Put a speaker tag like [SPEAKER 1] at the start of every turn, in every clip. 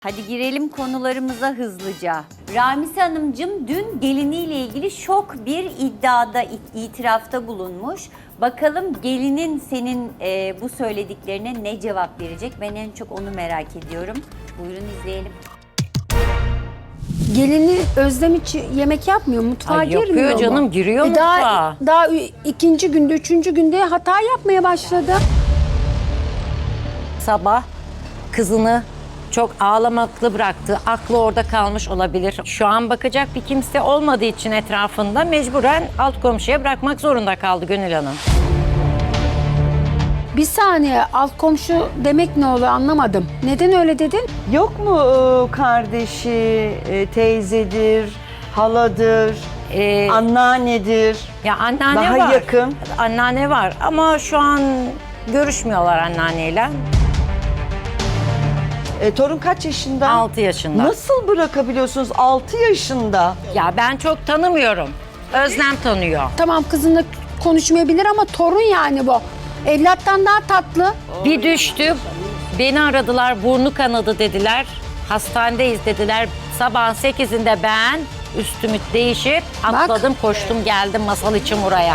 [SPEAKER 1] Hadi girelim konularımıza hızlıca. Ramise Hanımcığım dün geliniyle ilgili şok bir iddiada, itirafta bulunmuş. Bakalım gelinin senin bu söylediklerine ne cevap verecek? Ben en çok onu merak ediyorum. Buyurun izleyelim.
[SPEAKER 2] Gelini Özlem hiç yemek yapmıyor, mutfağa
[SPEAKER 3] Ay,
[SPEAKER 2] girmiyor
[SPEAKER 3] yapıyor
[SPEAKER 2] mu?
[SPEAKER 3] canım, giriyor mutfağa.
[SPEAKER 2] Daha ikinci günde, üçüncü günde hata yapmaya başladı.
[SPEAKER 3] Sabah kızını çok ağlamaklı bıraktı. Aklı orada kalmış olabilir. Şu an bakacak bir kimse olmadığı için etrafında mecburen alt komşuya bırakmak zorunda kaldı Gönül Hanım.
[SPEAKER 2] Bir saniye, alt komşu demek ne oluyor anlamadım. Neden öyle dedin?
[SPEAKER 4] Yok mu kardeşi, teyzedir, haladır, anneannedir?
[SPEAKER 3] Ya anneanne
[SPEAKER 4] Daha
[SPEAKER 3] var.
[SPEAKER 4] yakın.
[SPEAKER 3] Anneanne var ama şu an görüşmüyorlar anneanneyle.
[SPEAKER 4] Torun kaç yaşında?
[SPEAKER 3] 6 yaşında.
[SPEAKER 4] Nasıl bırakabiliyorsunuz 6 yaşında?
[SPEAKER 3] Ya ben çok tanımıyorum. Özlem tanıyor.
[SPEAKER 2] Tamam, kızınla konuşmayabilir ama torun yani bu. Evlattan daha tatlı.
[SPEAKER 3] Bir düştü. Beni aradılar, burnu kanadı dediler. Hastanedeyiz dediler. Sabahın 8'inde ben üstümü değişip atladım, koştum geldim masal için buraya.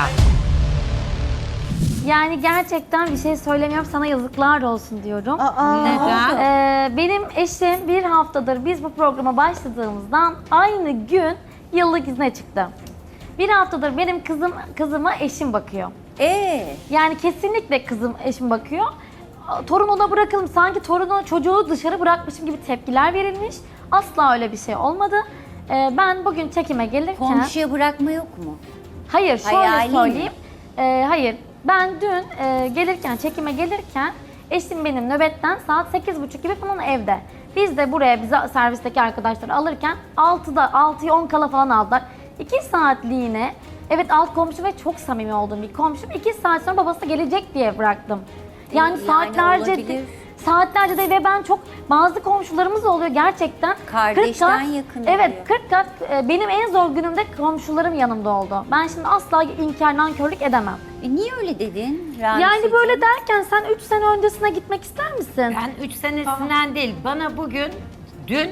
[SPEAKER 5] Yani gerçekten bir şey söylemiyorum, sana yazıklar olsun diyorum.
[SPEAKER 3] Neden?
[SPEAKER 5] Benim eşim bir haftadır biz bu programa başladığımızdan aynı gün yıllık izne çıktı. Bir haftadır benim kızıma eşim bakıyor. Yani kesinlikle eşim bakıyor. Torun ona bırakalım, sanki çocuğu dışarı bırakmışım gibi tepkiler verilmiş. Asla öyle bir şey olmadı. Ben bugün çekime gelirken...
[SPEAKER 1] Komşuya bırakma yok mu?
[SPEAKER 5] Hayır, şöyle
[SPEAKER 1] Hayali mi?
[SPEAKER 5] söyleyeyim. Hayır, ben dün çekime gelirken eşim benim nöbetten saat 8.30 gibi falan evde. Biz de buraya bize servisteki arkadaşlar alırken 6'ya 10 kala falan aldılar. 2 saatliğine, evet alt komşu ve çok samimi olduğum bir komşum, 2 saat sonra babası gelecek diye bıraktım. Yani
[SPEAKER 1] olabilir.
[SPEAKER 5] saatlerce de ve ben bazı komşularımız oluyor gerçekten.
[SPEAKER 1] Kardeşten
[SPEAKER 5] 40 kat,
[SPEAKER 1] yakın
[SPEAKER 5] evet,
[SPEAKER 1] oluyor.
[SPEAKER 5] 40 kat benim en zor günümde komşularım yanımda oldu. Ben şimdi asla inkar, nankörlük edemem.
[SPEAKER 1] Niye öyle dedin Ramiseciğim?
[SPEAKER 5] Yani böyle derken sen 3 sene öncesine gitmek ister misin?
[SPEAKER 3] Ben 3 senesinden değil, bana dün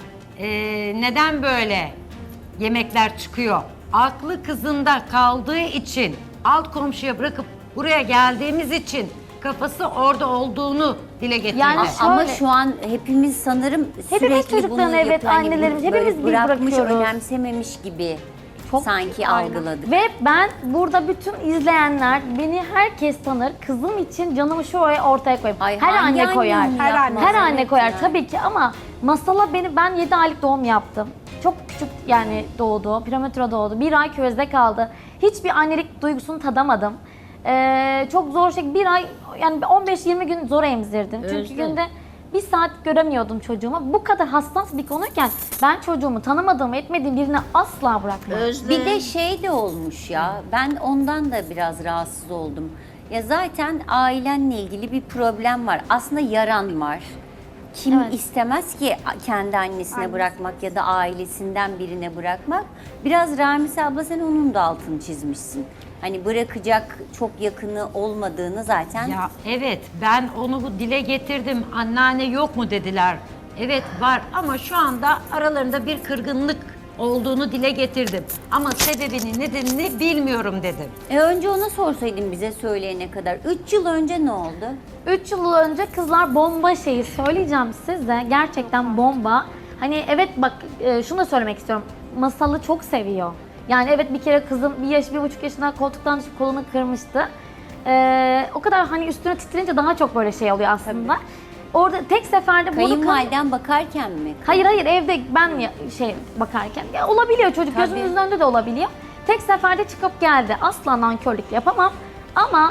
[SPEAKER 3] neden böyle yemekler çıkıyor? Aklı kızında kaldığı için, alt komşuya bırakıp buraya geldiğimiz için kafası orada olduğunu dile getirdi.
[SPEAKER 5] Yani
[SPEAKER 1] Ama
[SPEAKER 5] şöyle-
[SPEAKER 1] şu an hepimiz sanırım
[SPEAKER 5] Hepimiz
[SPEAKER 1] sürekli bunu
[SPEAKER 5] çocuklarını, evet,
[SPEAKER 1] yapıyor. Hani
[SPEAKER 5] annelerimiz,
[SPEAKER 1] böyle
[SPEAKER 5] hepimiz biz
[SPEAKER 1] bırakmış,
[SPEAKER 5] bırakıyoruz.
[SPEAKER 1] önemsememiş gibi sanki
[SPEAKER 5] Aynen.
[SPEAKER 1] algıladık.
[SPEAKER 5] Ve ben burada bütün izleyenler, beni herkes tanır. Kızım için canımı şuraya ortaya koyayım.
[SPEAKER 1] Ay,
[SPEAKER 5] her
[SPEAKER 1] hangi
[SPEAKER 5] anne koyar.
[SPEAKER 1] anne onu yapmaz?
[SPEAKER 5] Her anne
[SPEAKER 1] Evet
[SPEAKER 5] koyar
[SPEAKER 1] yani.
[SPEAKER 5] tabii ki ama masala ben 7 aylık doğum yaptım. Çok küçük yani doğdu, prematüre doğdu. 1 ay küvezde kaldı. Hiçbir annelik duygusunu tadamadım. Çok zor bir ay yani 15-20 gün zor emzirdim. Çünkü günde 1 saat göremiyordum çocuğumu. Bu kadar hassas bir konuyken ben çocuğumu tanımadığım, etmediğim birine asla bırakmam.
[SPEAKER 1] Bir de şey de olmuş ya, ben ondan da biraz rahatsız oldum. Ya zaten ailenle ilgili bir problem var. Aslında yaran var. Kim
[SPEAKER 5] Evet.
[SPEAKER 1] istemez ki kendi annesine bırakmak ya da ailesinden birine bırakmak. Biraz Ramise abla sen onun da altını çizmişsin. Hani bırakacak çok yakını olmadığını zaten.
[SPEAKER 3] Ya evet, ben onu dile getirdim. Anneanne yok mu dediler. Evet var ama şu anda aralarında bir kırgınlık olduğunu dile getirdim. Ama sebebini, nedenini bilmiyorum dedim.
[SPEAKER 1] Önce ona sorsaydın bize söyleyene kadar. 3 yıl önce ne oldu?
[SPEAKER 5] 3 yıl önce kızlar bomba şeyi söyleyeceğim size. Gerçekten bomba. Hani evet bak şunu da söylemek istiyorum. Masalı çok seviyor. Yani evet bir kere kızım 1,5 yaşında koltuktan düşüp kolunu kırmıştı. O kadar hani üstüne titrince daha çok böyle şey oluyor aslında. Orada tek seferde bunu...
[SPEAKER 1] Kayınvaliden bakarken mi?
[SPEAKER 5] Hayır evde ben bakarken. Ya, olabiliyor çocuk gözümüzün önünde de olabiliyor. Tek seferde çıkıp geldi. Asla nankörlük yapamam. Ama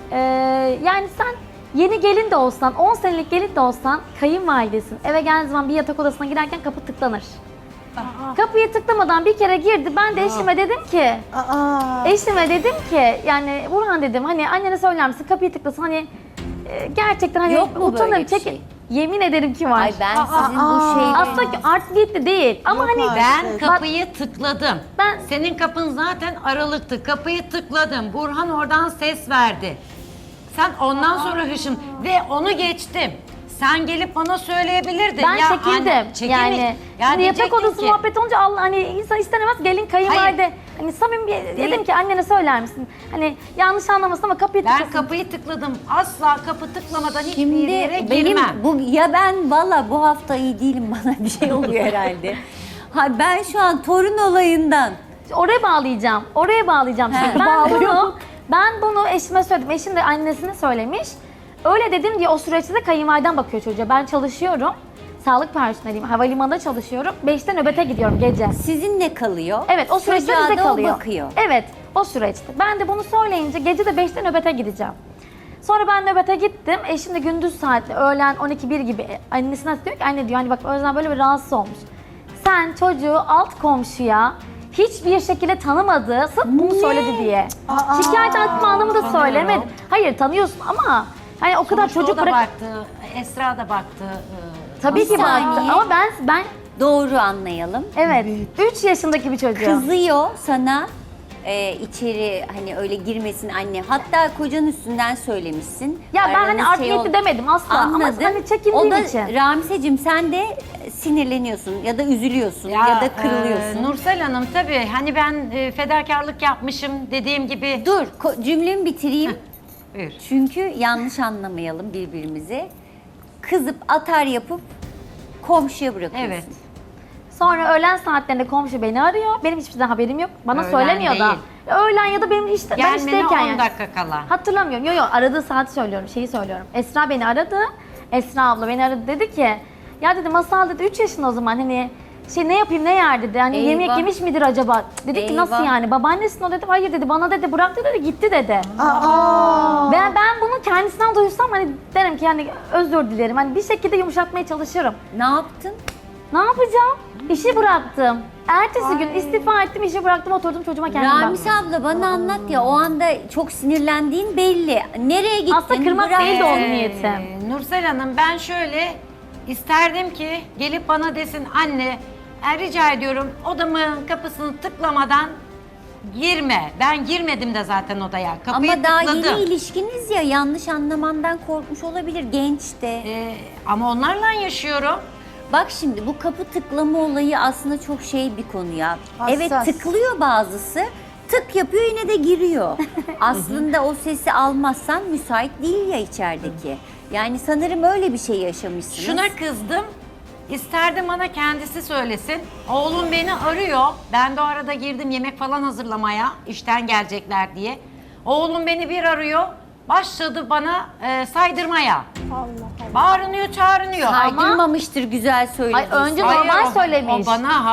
[SPEAKER 5] yani sen yeni gelin de olsan, 10 senelik gelin de olsan kayınvalidesin. Eve geldiği zaman bir yatak odasına girerken kapı tıklanır. Kapıyı tıklamadan bir kere girdi. Ben de eşime dedim ki yani Burhan dedim hani annene söyler misin kapıyı tıklasın hani gerçekten hani
[SPEAKER 1] Yok mu böyle
[SPEAKER 5] utanırım.
[SPEAKER 1] bir şey?
[SPEAKER 5] Yemin ederim ki var.
[SPEAKER 1] Ay ben sizin bu şeyleri...
[SPEAKER 5] Aslında art niyetli değil ama hani
[SPEAKER 3] Ben kapıyı tıkladım.
[SPEAKER 5] Ben-
[SPEAKER 3] Senin kapın zaten aralıktı. Kapıyı tıkladım. Burhan oradan ses verdi. Sen ondan sonra hışım ve onu geçtim. Sen gelip bana söyleyebilirdin.
[SPEAKER 5] Ben
[SPEAKER 3] Ya
[SPEAKER 5] çekindim.
[SPEAKER 3] anne, çekinmiş.
[SPEAKER 5] Yani
[SPEAKER 3] Ya
[SPEAKER 5] şimdi yatak
[SPEAKER 3] diyecektin
[SPEAKER 5] odası
[SPEAKER 3] ki,
[SPEAKER 5] muhabbeti olunca Allah hani insan istenemez gelin kayınvalide. Hani samimi dedim ki annene söyler misin? Hani yanlış anlamasın ama kapıyı
[SPEAKER 3] Ben
[SPEAKER 5] tıkasın.
[SPEAKER 3] kapıyı tıkladım. Asla kapı tıklamadan hiçbir
[SPEAKER 1] Şimdi
[SPEAKER 3] yere
[SPEAKER 1] benim
[SPEAKER 3] girmem.
[SPEAKER 1] ya ben valla bu hafta iyi değilim, bana bir şey oluyor herhalde. Ha, ben şu an torun olayından
[SPEAKER 5] Oraya bağlayacağım. Oraya bağlayacağım.
[SPEAKER 1] He.
[SPEAKER 5] Şimdi ben bunu eşime söyledim. Eşim de annesine söylemiş. Öyle dedim diye o süreçte de kayınvaliden bakıyor çocuğa. Ben çalışıyorum. Sağlık personeliyim. Havalimanında çalışıyorum. 5'te nöbete gidiyorum gece.
[SPEAKER 1] sizinle kalıyor.
[SPEAKER 5] Evet o süreçte
[SPEAKER 1] Çocuğa
[SPEAKER 5] bize
[SPEAKER 1] da o
[SPEAKER 5] kalıyor.
[SPEAKER 1] bakıyor.
[SPEAKER 5] Evet o süreçte. Ben de bunu söyleyince gece de 5'te nöbete gideceğim. Sonra ben nöbete gittim. Eşim de gündüz saatli öğlen 12-1 gibi annesine diyor ki anne diyor hani bak Özlem böyle bir rahatsız olmuş. Sen çocuğu alt komşuya hiçbir şekilde tanımadığı sırf bunu söyledi diye. Şikayet etme anlamı da söylemedim. Hayır tanıyorsun ama hani o kadar
[SPEAKER 3] Sonuçta
[SPEAKER 5] çocuk
[SPEAKER 3] o da
[SPEAKER 5] bırak.
[SPEAKER 3] baktı, Esra da baktı.
[SPEAKER 5] Tabii ki
[SPEAKER 1] Bir
[SPEAKER 5] baktı
[SPEAKER 1] saniye.
[SPEAKER 5] ama ben
[SPEAKER 1] Doğru anlayalım.
[SPEAKER 5] evet 3 yaşındaki bir çocuğum.
[SPEAKER 1] Kızıyor sana içeri hani öyle girmesin anne. Hatta kocanın üstünden söylemişsin.
[SPEAKER 5] Ya ben hani
[SPEAKER 1] Aranız
[SPEAKER 5] art
[SPEAKER 1] şey
[SPEAKER 5] niyetli
[SPEAKER 1] ol-
[SPEAKER 5] demedim asla
[SPEAKER 1] Anladım.
[SPEAKER 5] ama hani çekindiğim
[SPEAKER 1] O da
[SPEAKER 5] için.
[SPEAKER 1] Ramiseciğim sen de sinirleniyorsun ya da üzülüyorsun ya, da kırılıyorsun.
[SPEAKER 3] Nursel Hanım tabii hani ben fedakarlık yapmışım dediğim gibi.
[SPEAKER 1] Dur cümlemi bitireyim.
[SPEAKER 3] Buyur.
[SPEAKER 1] Çünkü yanlış anlamayalım birbirimizi. Kızıp atar yapıp komşuya bırakıyorsun.
[SPEAKER 3] Evet.
[SPEAKER 5] Sonra öğlen saatlerinde komşu beni arıyor. Benim hiçbir şeyden haberim yok. Bana
[SPEAKER 3] Öğlen
[SPEAKER 5] söylemiyor da.
[SPEAKER 3] değil.
[SPEAKER 5] Öğlen ya da benim hiç ben
[SPEAKER 3] Gelmene
[SPEAKER 5] işteyken
[SPEAKER 3] 10
[SPEAKER 5] yani.
[SPEAKER 3] dakika kala.
[SPEAKER 5] Hatırlamıyorum. Yok aradığı saati söylüyorum. Şeyi söylüyorum. Esra beni aradı. Esra abla beni aradı dedi ki ya dedi Masal dedi 3 yaşında o zaman hani ne yapayım ne yer dedi. Hani yemek
[SPEAKER 1] Eyvah.
[SPEAKER 5] yemiş midir acaba? Dedik ki nasıl
[SPEAKER 1] Eyvah.
[SPEAKER 5] yani? Babaannesin o dedi. Hayır dedi. Bana dedi bıraktı dedi gitti dedi. Ben bunu kendisinden duysam hani derim ki yani özür dilerim. Hani bir şekilde yumuşatmaya çalışırım.
[SPEAKER 1] Ne yaptın?
[SPEAKER 5] Ne yapacağım? İşi bıraktım. Ertesi gün istifa ettim, işi bıraktım, oturdum çocuğuma kendim
[SPEAKER 1] Ramis
[SPEAKER 5] baktım.
[SPEAKER 1] abla bana anlat ya, o anda çok sinirlendiğin belli. Nereye gittin?
[SPEAKER 5] Aslında kırmak
[SPEAKER 1] Bırak-
[SPEAKER 5] değil de onun niyetim.
[SPEAKER 3] Nursel Hanım ben şöyle isterdim ki gelip bana desin anne rica ediyorum odamın kapısını tıklamadan girme. Ben girmedim de zaten odaya. Kapıyı
[SPEAKER 1] Ama daha
[SPEAKER 3] tıkladım.
[SPEAKER 1] yeni ilişkiniz ya, yanlış anlamandan korkmuş olabilir, genç de.
[SPEAKER 3] Ama onlarla yaşıyorum.
[SPEAKER 1] Bak şimdi bu kapı tıklama olayı aslında çok şey bir konu ya.
[SPEAKER 2] Hassas.
[SPEAKER 1] Evet tıklıyor bazısı, tık yapıyor yine de giriyor. Aslında o sesi almazsan müsait değil ya içerideki. Yani sanırım öyle bir şey yaşamışsınız.
[SPEAKER 3] Şuna kızdım. İsterdim bana kendisi söylesin. Oğlum beni arıyor. Ben de o arada girdim yemek falan hazırlamaya. İşten gelecekler diye. Oğlum beni bir arıyor. Başladı bana saydırmaya. Bağırınıyor, çağırınıyor.
[SPEAKER 1] Saydırmamıştır, güzel söyledin.
[SPEAKER 5] Ay, önce
[SPEAKER 1] Hayır,
[SPEAKER 5] normal
[SPEAKER 3] o-
[SPEAKER 5] söylemiş.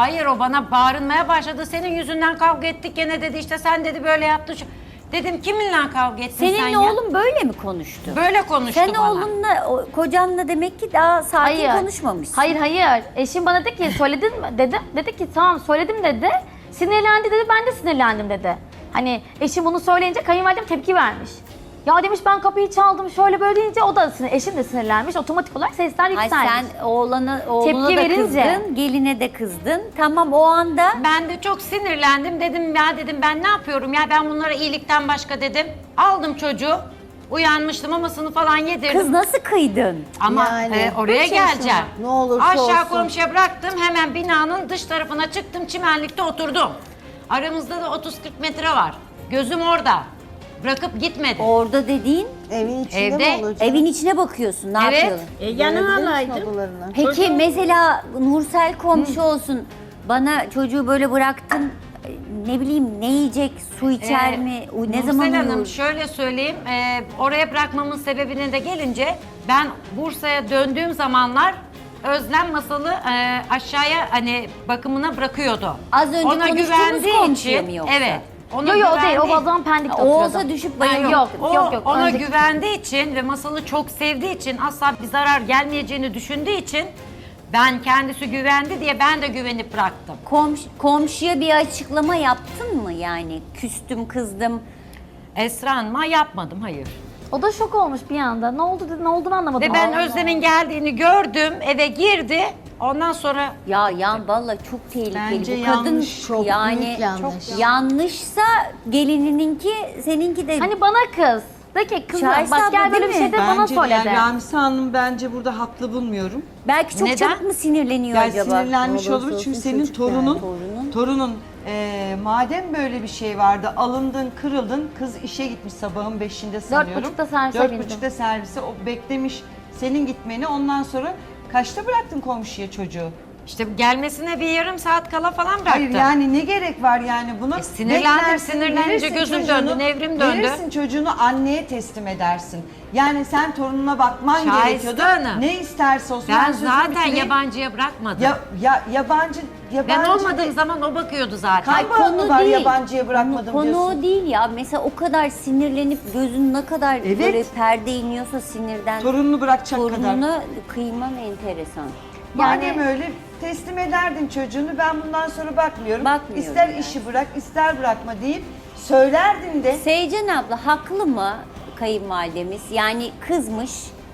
[SPEAKER 3] O bana bağırmaya başladı. Senin yüzünden kavga ettik gene dedi. İşte sen dedi böyle yaptın. Dedim kiminle kavga ettin sen
[SPEAKER 1] Seninle
[SPEAKER 3] ya?
[SPEAKER 1] oğlun böyle mi konuştu?
[SPEAKER 3] Böyle konuştu
[SPEAKER 1] Sen
[SPEAKER 3] bana.
[SPEAKER 1] oğlunla, kocanla demek ki daha sakin konuşmamışsın.
[SPEAKER 5] Hayır. Eşim bana dedi ki söyledin mi dedim. Dedi ki tamam söyledim dedi. Sinirlendi dedi. Ben de sinirlendim dedi. Hani eşim bunu söyleyince kayınvalidem tepki vermiş. Ya demiş ben kapıyı çaldım şöyle böyle deyince o da eşim de sinirlenmiş. Otomatik olarak sesler
[SPEAKER 1] Ay
[SPEAKER 5] yükselmiş.
[SPEAKER 1] sen oğluna
[SPEAKER 5] Tepki
[SPEAKER 1] da
[SPEAKER 5] verince.
[SPEAKER 1] kızdın, geline de kızdın. Tamam o anda
[SPEAKER 3] Ben de çok sinirlendim. Dedim ya dedim ben ne yapıyorum ya ben bunlara iyilikten başka dedim. Aldım çocuğu. Uyanmıştım mamasını falan yedirdim.
[SPEAKER 1] kız nasıl kıydın?
[SPEAKER 3] Ama
[SPEAKER 6] Yani,
[SPEAKER 3] oraya
[SPEAKER 6] üç yaşında.
[SPEAKER 3] geleceğim.
[SPEAKER 6] Ne olursa
[SPEAKER 3] Aşağı
[SPEAKER 6] olsun.
[SPEAKER 3] komşuya bıraktım. Hemen binanın dış tarafına çıktım. Çimenlikte oturdum. Aramızda da 30-40 metre var. Gözüm orada. Bırakıp gitmedim.
[SPEAKER 1] Orada dediğin
[SPEAKER 6] Evin içinde
[SPEAKER 3] Evde,
[SPEAKER 6] mi olacak?
[SPEAKER 1] evin içine bakıyorsun, ne
[SPEAKER 3] Evet.
[SPEAKER 1] yapıyorsun?
[SPEAKER 6] Yanına alaydın.
[SPEAKER 1] Peki mesela Nursel komşu olsun, bana çocuğu böyle bıraktın, ne bileyim ne yiyecek, su içer mi, ne zaman
[SPEAKER 3] Nursel Hanım
[SPEAKER 1] uyur?
[SPEAKER 3] şöyle söyleyeyim. Oraya bırakmamın sebebine de gelince ben Bursa'ya döndüğüm zamanlar Özlem Masal'ı aşağıya hani bakımına bırakıyordu.
[SPEAKER 1] Az önce
[SPEAKER 3] ona
[SPEAKER 1] konuştuğumuz
[SPEAKER 3] güvendiği
[SPEAKER 1] komşuya
[SPEAKER 3] için
[SPEAKER 1] mı yoksa?
[SPEAKER 3] evet. Ona
[SPEAKER 5] Yok o değil o
[SPEAKER 3] güvendiği-
[SPEAKER 5] zaman Pendik'te
[SPEAKER 1] O
[SPEAKER 5] oturuyordu.
[SPEAKER 1] olsa düşüp
[SPEAKER 3] Ha,
[SPEAKER 1] bayılır.
[SPEAKER 5] yok.
[SPEAKER 3] Ona
[SPEAKER 5] Önceki-
[SPEAKER 3] güvendiği için ve Masal'ı çok sevdiği için asla bir zarar gelmeyeceğini düşündüğü için ben kendisi güvendi diye ben de güvenip bıraktım.
[SPEAKER 1] Komşuya bir açıklama yaptın mı yani? Küstüm, kızdım.
[SPEAKER 3] Esra Hanım'a yapmadım hayır.
[SPEAKER 5] O da şok olmuş bir anda. Ne oldu dedi, ne olduğunu anlamadım.
[SPEAKER 3] Ve ben
[SPEAKER 5] Allah.
[SPEAKER 3] Özlem'in geldiğini gördüm, eve girdi. Ondan sonra
[SPEAKER 1] Ya vallahi çok tehlikeli.
[SPEAKER 4] Bence
[SPEAKER 1] Bu kadın
[SPEAKER 4] yanlış,
[SPEAKER 6] çok
[SPEAKER 1] yani
[SPEAKER 6] büyük yanlış.
[SPEAKER 1] çok yanlışsa gelinininki, seninki de
[SPEAKER 5] Hani bana kız. De ki kızım
[SPEAKER 1] Şahiste
[SPEAKER 5] bak gel
[SPEAKER 1] abla
[SPEAKER 5] böyle bir
[SPEAKER 1] değil mi?
[SPEAKER 5] şey de bana
[SPEAKER 4] Bence de
[SPEAKER 5] söyle
[SPEAKER 4] yani
[SPEAKER 5] de.
[SPEAKER 4] Ramise Hanım bence burada haklı bulmuyorum.
[SPEAKER 1] Belki çok
[SPEAKER 3] Neden?
[SPEAKER 1] çabuk mu sinirleniyor
[SPEAKER 4] Yani
[SPEAKER 1] acaba?
[SPEAKER 4] sinirlenmiş
[SPEAKER 6] Ne olursa
[SPEAKER 4] olur çünkü
[SPEAKER 6] olsun
[SPEAKER 4] senin
[SPEAKER 6] çocuk yani,
[SPEAKER 4] torunun madem böyle bir şey vardı, alındın, kırıldın, kız işe gitmiş sabahın 5'inde sanıyorum.
[SPEAKER 5] 4.30'da servise
[SPEAKER 4] 4.30'da servise o beklemiş senin gitmeni, ondan sonra kaçta bıraktın komşuya çocuğu?
[SPEAKER 3] İşte gelmesine bir yarım saat kala falan bıraktım.
[SPEAKER 4] Hayır yani ne gerek var yani buna?
[SPEAKER 3] Sinirlendim,
[SPEAKER 4] Beklersin,
[SPEAKER 3] sinirlenince
[SPEAKER 4] verirsin
[SPEAKER 3] gözüm
[SPEAKER 4] çocuğunu,
[SPEAKER 3] döndü, nevrim döndü.
[SPEAKER 4] Verirsin çocuğunu, anneye teslim edersin. Yani sen torununa bakman
[SPEAKER 3] Şahiste
[SPEAKER 4] gerekiyordu.
[SPEAKER 3] Hanım.
[SPEAKER 4] Ne isterse olsun.
[SPEAKER 3] Ben
[SPEAKER 4] sözümü
[SPEAKER 3] zaten
[SPEAKER 4] bitireyim.
[SPEAKER 3] yabancıya bırakmadım.
[SPEAKER 4] Yabancı
[SPEAKER 3] Ben olmadığım zaman o bakıyordu zaten.
[SPEAKER 4] Kaç bağımlı var yabancıya bırakmadım
[SPEAKER 1] Konu
[SPEAKER 4] diyorsun.
[SPEAKER 1] o değil ya. Mesela o kadar sinirlenip gözün ne kadar
[SPEAKER 4] Evet.
[SPEAKER 1] böyle perde iniyorsa sinirden
[SPEAKER 4] Torununu bırakacak kadar.
[SPEAKER 1] torununa kıyman enteresan.
[SPEAKER 4] Madem öyle teslim ederdin çocuğunu, ben bundan sonra bakmıyorum.
[SPEAKER 1] Bakmıyorum
[SPEAKER 4] İster
[SPEAKER 1] yani.
[SPEAKER 4] işi bırak, ister bırakma deyip söylerdin de.
[SPEAKER 1] Seycan abla haklı mı kayınvalidemiz? Yani kızmış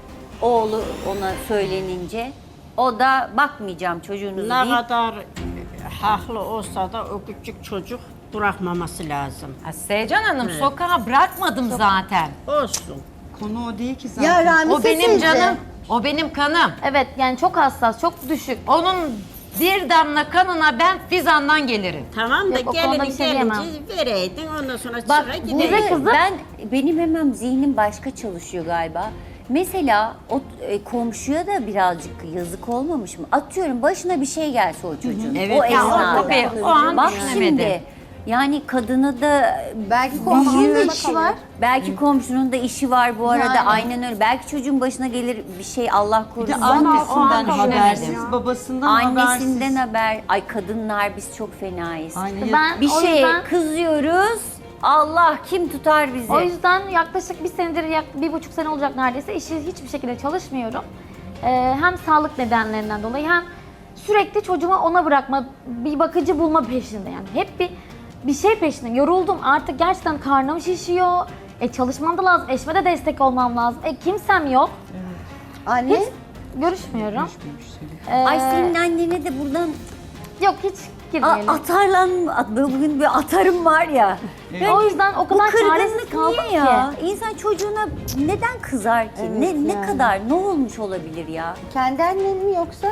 [SPEAKER 1] oğlu ona söylenince. O da bakmayacağım çocuğunuzu
[SPEAKER 6] Ne
[SPEAKER 1] deyip
[SPEAKER 6] kadar haklı olsa da o küçük çocuk bırakmaması lazım.
[SPEAKER 3] Ha, Seycan Hanım sokağa bırakmadım zaten.
[SPEAKER 6] Olsun.
[SPEAKER 4] Konu o değil ki zaten.
[SPEAKER 7] Ya Ramise
[SPEAKER 3] O benim
[SPEAKER 7] teyze.
[SPEAKER 3] canım. O benim kanım.
[SPEAKER 5] Evet yani çok hassas, çok düşük.
[SPEAKER 3] Onun bir damla kanına ben Fizan'dan gelirim.
[SPEAKER 6] Tamam da
[SPEAKER 5] Yok, o konuda bir
[SPEAKER 6] gelini
[SPEAKER 5] şey diyemem.
[SPEAKER 6] gelince vereydin, ondan sonra
[SPEAKER 1] bak
[SPEAKER 6] çıra
[SPEAKER 1] burada
[SPEAKER 6] gideydin.
[SPEAKER 1] benim hemen zihnim başka çalışıyor galiba. Mesela o komşuya da birazcık yazık olmamış mı? Atıyorum başına bir şey gelse o çocuğun.
[SPEAKER 3] Evet,
[SPEAKER 1] o
[SPEAKER 3] ya o
[SPEAKER 1] esnada.
[SPEAKER 3] tabii, o an
[SPEAKER 1] Bak
[SPEAKER 3] düşünemedi.
[SPEAKER 1] şimdi yani kadını da
[SPEAKER 7] Belki komşunun da
[SPEAKER 1] büyür.
[SPEAKER 7] işi var.
[SPEAKER 1] Belki komşunun da işi var bu arada,
[SPEAKER 7] Yani.
[SPEAKER 1] aynen öyle. Belki çocuğun başına gelir bir şey, Allah
[SPEAKER 4] Bir de
[SPEAKER 1] korusun.
[SPEAKER 4] annesinden
[SPEAKER 3] kabul
[SPEAKER 4] habersiz,
[SPEAKER 3] edemedim.
[SPEAKER 4] babasından
[SPEAKER 1] Annesinden
[SPEAKER 4] habersiz.
[SPEAKER 1] haber. Ay kadınlar biz çok fenayız.
[SPEAKER 4] Aynı
[SPEAKER 5] Ben
[SPEAKER 1] Bir
[SPEAKER 5] o
[SPEAKER 1] şeye
[SPEAKER 5] yüzden,
[SPEAKER 1] kızıyoruz. Allah kim tutar bizi?
[SPEAKER 5] o yüzden yaklaşık bir senedir, 1,5 sene olacak neredeyse hiçbir şekilde çalışmıyorum. Hem sağlık nedenlerinden dolayı hem sürekli çocuğumu ona bırakma, bir bakıcı bulma peşinde yani. Hep bir şey peşinde. Yoruldum artık, gerçekten karnım şişiyor. Çalışmam da lazım, eşime de destek olmam lazım. Kimsem yok.
[SPEAKER 7] Anne.
[SPEAKER 5] Hiç görüşmüyorum.
[SPEAKER 1] Ay senin annene de buradan
[SPEAKER 5] Yok hiç girmeyelim.
[SPEAKER 1] bugün bir atarım var ya.
[SPEAKER 5] O yüzden o
[SPEAKER 1] Bu
[SPEAKER 5] kadar çaresiz
[SPEAKER 1] kırgınlık
[SPEAKER 5] kaldım
[SPEAKER 1] niye ya?
[SPEAKER 5] ki.
[SPEAKER 1] İnsan çocuğuna neden kızar ki? Ne kadar, ne olmuş olabilir ya?
[SPEAKER 7] Kendi annen mi yoksa?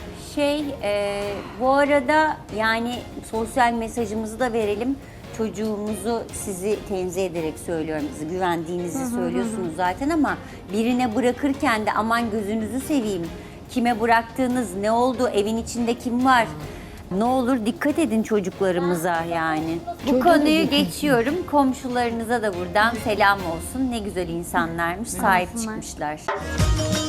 [SPEAKER 1] Bu arada yani sosyal mesajımızı da verelim. Çocuğumuzu sizi tenzih ederek söylüyorum. Sizi güvendiğinizi söylüyorsunuz zaten ama birine bırakırken de aman gözünüzü seveyim. Kime bıraktığınız, ne oldu, evin içinde kim var? Ne olur dikkat edin çocuklarımıza yani. Bu konuyu geçiyorum. Komşularınıza da buradan selam olsun. Ne güzel insanlarmış, sahip çıkmışlar.